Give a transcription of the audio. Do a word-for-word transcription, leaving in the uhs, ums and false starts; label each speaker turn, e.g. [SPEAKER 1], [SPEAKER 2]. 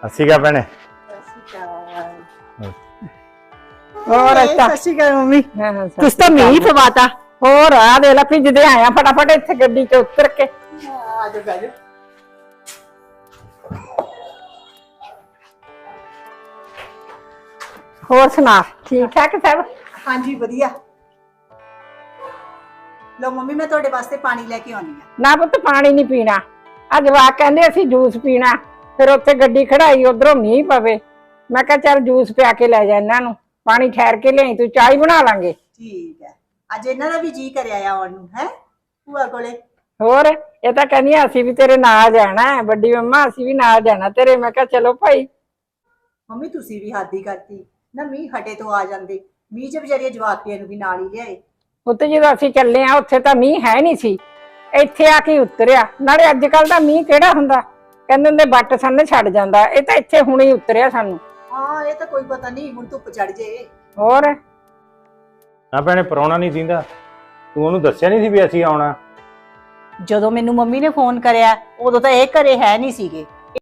[SPEAKER 1] अस्सी का भैने
[SPEAKER 2] और अच्छा
[SPEAKER 3] ਸਤਿ ਸ਼੍ਰੀ ਅਕਾਲ ਮੰਮੀ
[SPEAKER 2] तुस तो मीह पवाता और आ दे ला भिजदे आया फटाफट इत्थे गड्डी च उतर के
[SPEAKER 3] ਆ ਜਾ ਬੈਠ
[SPEAKER 2] होर सुना ठीक ठाक सब
[SPEAKER 3] ਹਾਂਜੀ ਵਧੀਆ ਲੋ ਮੰਮੀ ਮੈਂ ਤੁਹਾਡੇ ਵਾਸਤੇ ਪਾਣੀ ਲੈ ਕੇ ਆਉਣੀ ਆ
[SPEAKER 2] ना पुत पानी नहीं पीना अज जवाक कहंदे असीं जूस पीना फिर उत्थे गड्डी खड़ाई उधरों मीह पवे मैं कहा चल जूस पिया के ले जा इन्हां नूं पानी ठहर के लियाई तू चाय बना लांगे
[SPEAKER 3] ਠੀਕ ਹੈ ਅੱਜ ਇਹਨਾਂ ਦਾ ਵੀ ਜੀ ਕਰਿਆ ਆ ਆਉਣ ਨੂੰ ਹੈ ਭੂਆ ਕੋਲੇ
[SPEAKER 2] ਹੋਰ ਇਹ ਤਾਂ ਕਹਿੰਦੀਆਂ ਅਸੀਂ ਵੀ ਤੇਰੇ ਨਾਲ ਜਾਣਾ ਹੈ ਵੱਡੀ ਮੰਮਾ ਅਸੀਂ ਵੀ ਨਾਲ ਜਾਣਾ ਤੇਰੇ ਮੈਂ ਕਿਹਾ ਚਲੋ ਭਾਈ
[SPEAKER 3] ਮੰਮੀ ਤੁਸੀਂ ਵੀ ਹੱਦ ਹੀ ਕਰਤੀ ਨਾ ਮੀਂਹ ਹਟੇ ਤੋਂ ਆ ਜਾਂਦੇ ਮੀਂਹ ਚ ਵਿਚਾਰੀਆਂ ਜਵਾਕੀਆਂ ਨੂੰ ਵੀ ਨਾਲ ਹੀ ਲਿਆਏ
[SPEAKER 2] ਉੱਤੇ ਜਦੋਂ ਅਸੀਂ ਚੱਲੇ ਆ ਉੱਥੇ ਤਾਂ ਮੀਂਹ ਹੈ ਨਹੀਂ ਸੀ ਇੱਥੇ ਆ ਕੇ ਉਤਰਿਆ ਨਾਲੇ ਅੱਜ ਕੱਲ ਦਾ ਮੀਂਹ ਕਿਹੜਾ ਹੁੰਦਾ ਕਹਿੰਦੇ ਹੁੰਦੇ ਬੱਟ ਸੰਨ ਛੱਡ ਜਾਂਦਾ ਇਹ ਤਾਂ ਇੱਥੇ ਹੁਣੇ ਹੀ ਉਤਰਿਆ ਸਾਨੂੰ
[SPEAKER 3] ਹਾਂ ਇਹ ਤਾਂ ਕੋਈ ਪਤਾ ਨਹੀਂ ਹੁਣ ਧੁੱਪ ਚੜ ਜੇ
[SPEAKER 2] ਹੋਰ
[SPEAKER 1] ना भैने परौना नहीं दींदा तू ओनू दस्सिया नहीं सी भी असीं आउणा
[SPEAKER 3] ਜਦੋਂ ਮੈਨੂੰ ਮੰਮੀ ਨੇ ਫੋਨ ਕਰਿਆ ਉਦੋਂ ਤਾਂ ਇਹ ਘਰੇ ਹੈ ਨਹੀਂ ਸੀਗੇ